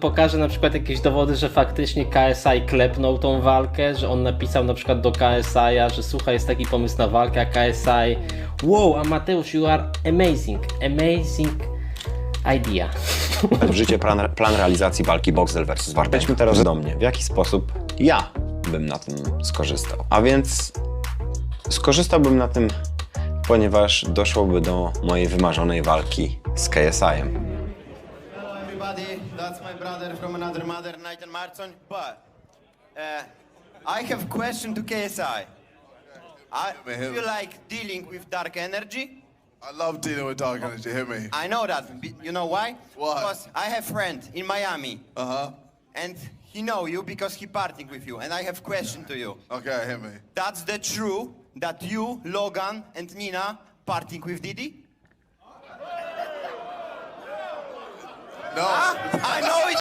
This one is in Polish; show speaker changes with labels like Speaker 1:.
Speaker 1: pokaże na przykład jakieś dowody, że faktycznie KSI klepnął tą walkę, że on napisał na przykład do KSI-a, że słuchaj, jest taki pomysł na walkę, a KSI wow, Amateusz, you are amazing, amazing idea.
Speaker 2: w życie plan realizacji walki Boxdel vs. Wardenga. Przejdźmy teraz do mnie. W jaki sposób ja bym na tym skorzystał? A więc skorzystałbym na tym, ponieważ doszłoby do mojej wymarzonej walki z KSI-em.
Speaker 3: Hello everybody, that's my brother from another mother, Nathan Marson. But I have a question to KSI. Do you like dealing with dark energy?
Speaker 4: I love dealing with dark energy. Hit me.
Speaker 3: I know that. You know why?
Speaker 4: Why?
Speaker 3: Because I have a friend in Miami.
Speaker 4: Uh-huh.
Speaker 3: And he know you because he partying with you. And I have question to you.
Speaker 4: Okay, hit me.
Speaker 3: That's the true that you, Logan, and Nina partying with Didi?
Speaker 4: No.
Speaker 3: I know it.